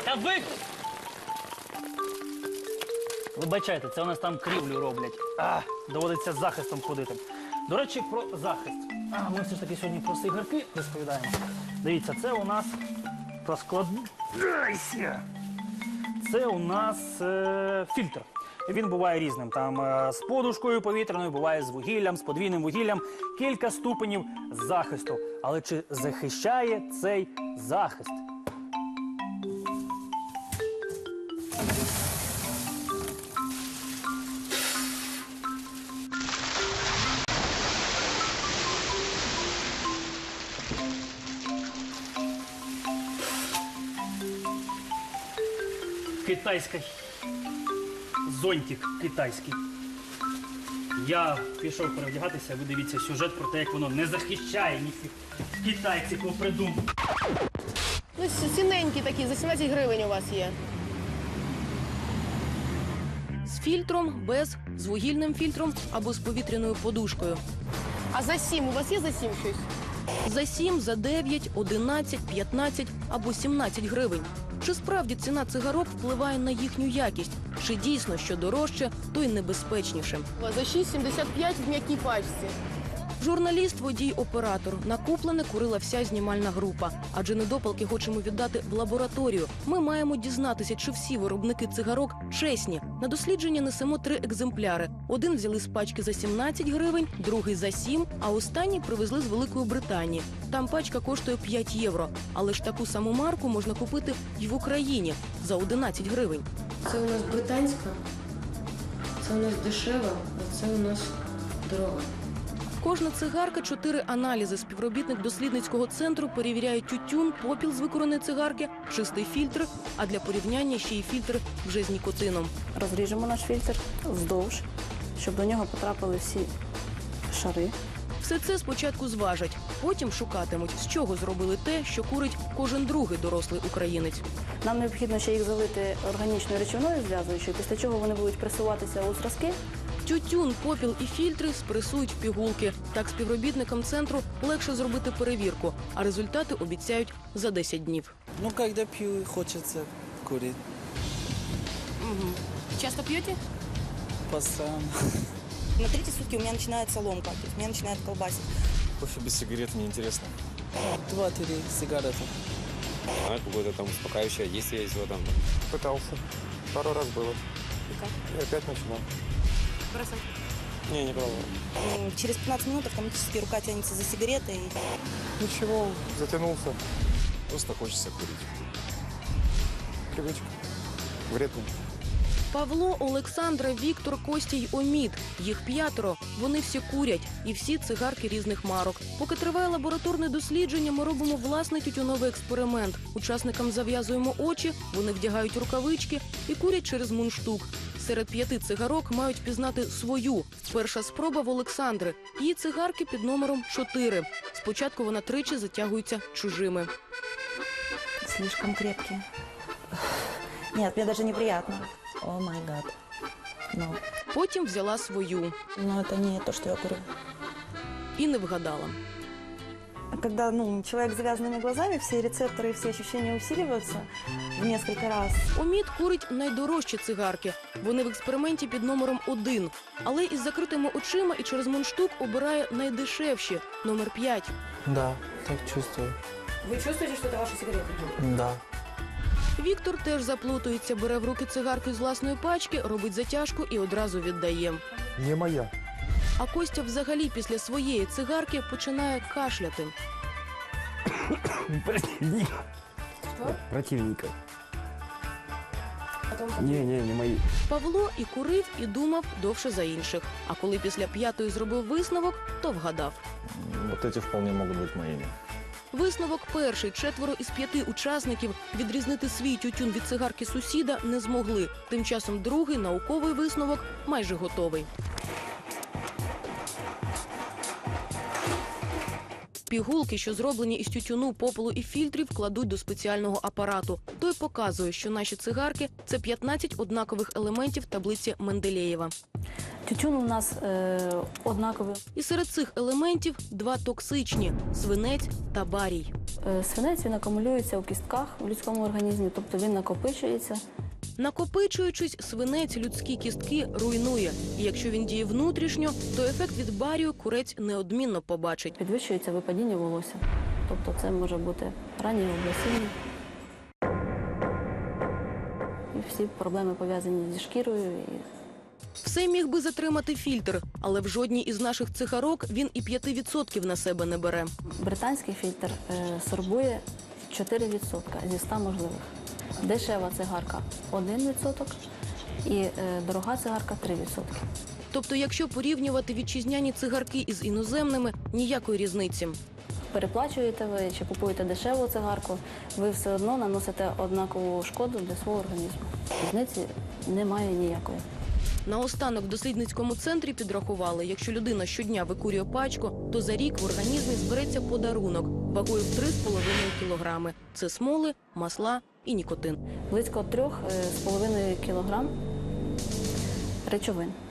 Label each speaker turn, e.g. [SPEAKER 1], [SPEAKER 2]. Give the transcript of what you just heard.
[SPEAKER 1] Та ви... Вибачайте, це у нас там крівлю роблять. Доводиться з захистом ходити. До речі, про захист. Ми все ж таки сьогодні про цигарки розповідаємо. Дивіться, це у нас про складайся. Це у нас фільтр. Він буває різним. Там з подушкою повітряною, буває з вугіллям, з подвійним вугіллям. Кілька ступенів захисту. Але чи захищає цей захист? Китайський зонтик китайський. Я пішов перевдягатися, ви дивіться сюжет про те, як воно не захищає ніяких китайців попридумав.
[SPEAKER 2] Ну, цінненькі такі, за 17 гривень у вас є.
[SPEAKER 3] З фільтром, без, з вугільним фільтром або з повітряною подушкою.
[SPEAKER 2] А за 7? У вас є за 7 щось?
[SPEAKER 3] За 7, за 9, 11, 15 або 17 гривень. Чи справді ціна цигарок впливає на їхню якість? Чи дійсно, що дорожче, то й небезпечніше?
[SPEAKER 2] За 6,75 в м'якій пачці.
[SPEAKER 3] Журналіст, водій, оператор. Накуплене курила вся знімальна група. Адже недопалки хочемо віддати в лабораторію. Ми маємо дізнатися, чи всі виробники цигарок чесні. На дослідження несемо 3 екземпляри. Один взяли з пачки за 17 гривень, другий за 7, а останній привезли з Великої Британії. Там пачка коштує 5 євро. Але ж таку саму марку можна купити й в Україні за 11 гривень.
[SPEAKER 4] Це у нас британська, це у нас дешева, а це у нас дорога.
[SPEAKER 3] Кожна цигарка – 4 аналізи. Співробітник дослідницького центру перевіряє тютюн, попіл з викуреної цигарки, чистий фільтр, а для порівняння ще й фільтр вже з нікотином.
[SPEAKER 5] Розріжемо наш фільтр вздовж, щоб до нього потрапили всі шари.
[SPEAKER 3] Все це спочатку зважать, потім шукатимуть, з чого зробили те, що курить кожен другий дорослий українець.
[SPEAKER 5] Нам необхідно ще їх залити органічною речовиною зв'язуючою, після чого вони будуть пресуватися у зразки.
[SPEAKER 3] Тютюн, попіл і фільтри спресують в пігулки. Так співробітникам центру легше зробити перевірку, а результати обіцяють за 10 днів.
[SPEAKER 6] Ну, когда пью, хочется курить.
[SPEAKER 2] Часто п'єте?
[SPEAKER 6] Постоянно.
[SPEAKER 7] На 3-й сутки у меня начинается ломка, то есть меня начинает колбасить.
[SPEAKER 8] Кофе без сигарет неинтересно.
[SPEAKER 6] 2-3 сигареты.
[SPEAKER 8] А какое-то там успокаивающее действие есть в этом. Пытался. Пару раз было.
[SPEAKER 7] И как?
[SPEAKER 8] И опять начинал.
[SPEAKER 7] Бросать.
[SPEAKER 8] Не пробовал.
[SPEAKER 7] Через 15 минут автоматически рука тянется за сигаретой.
[SPEAKER 8] Ничего, затянулся. Просто хочется курить. Привычка. Вредно.
[SPEAKER 3] Павло, Олександра, Віктор, Костя й Омід. Їх 5. Вони всі курять. І всі цигарки різних марок. Поки триває лабораторне дослідження, ми робимо власний тютюновий експеримент. Учасникам зав'язуємо очі, вони вдягають рукавички і курять через мундштук. Серед 5 цигарок мають пізнати свою. Перша спроба в Олександри. Її цигарки під номером 4. Спочатку вона тричі затягується чужими.
[SPEAKER 7] Слишком крепкие. Нет, мне даже неприятно. О май гад. Но.
[SPEAKER 3] Потім взяла свою.
[SPEAKER 7] Но это не то, что я курю.
[SPEAKER 3] І не вгадала.
[SPEAKER 7] Когда человек с завязанными глазами, все рецепторы и все ощущения усиливаются в несколько раз.
[SPEAKER 3] Омід курить найдорожчі цигарки. Вони в експерименті під номером 1. Але із закритими очима і через мундштук обирає найдешевші – номер 5.
[SPEAKER 6] Да, так чувствую.
[SPEAKER 2] Ви чувствуєте, що це ваші сигарети?
[SPEAKER 6] Да.
[SPEAKER 3] Віктор теж заплутується, бере в руки цигарки з власної пачки, робить затяжку і одразу віддає.
[SPEAKER 8] Не моя.
[SPEAKER 3] А Костя взагалі після своєї цигарки починає кашляти.
[SPEAKER 8] Противника. Не мои.
[SPEAKER 3] Павло і курив, і думав довше за інших. А коли після 5-ї зробив висновок, то вгадав.
[SPEAKER 8] Вот эти вполне могут быть моими.
[SPEAKER 3] Висновок перший. 4 із 5 учасників відрізнити свій тютюн від цигарки сусіда не змогли. Тим часом другий, науковий висновок, майже готовий. Пігулки, що зроблені із тютюну, попелу і фільтрів, кладуть до спеціального апарату. Той показує, що наші цигарки – це 15 однакових елементів таблиці Менделєєва.
[SPEAKER 5] Тютюн у нас однаковий.
[SPEAKER 3] І серед цих елементів два токсичні – свинець та барій.
[SPEAKER 5] Свинець він акумулюється у кістках в людському організмі, тобто він накопичується.
[SPEAKER 3] Накопичуючись, свинець людські кістки руйнує. І якщо він діє внутрішньо, то ефект від барію курець неодмінно побачить.
[SPEAKER 5] Підвищується випадіння волосся. Тобто це може бути раннє облесіння. І всі проблеми пов'язані зі шкірою.
[SPEAKER 3] Все міг би затримати фільтр, але в жодній із наших цигарок він і 5% на себе не бере.
[SPEAKER 5] Британський фільтр сорбує 4% зі 100 можливих. Дешева цигарка 1% і дорога цигарка 3%.
[SPEAKER 3] Тобто, якщо порівнювати вітчизняні цигарки із іноземними, ніякої різниці.
[SPEAKER 5] Переплачуєте ви чи купуєте дешеву цигарку, ви все одно наносите однакову шкоду для свого організму. Різниці немає ніякої.
[SPEAKER 3] Наостанок в дослідницькому центрі підрахували, якщо людина щодня викурює пачку, то за рік в організмі збереться подарунок вагою в 3,5 кілограми. Це смоли, масла і нікотин.
[SPEAKER 5] Близько 3,5 кілограм речовин.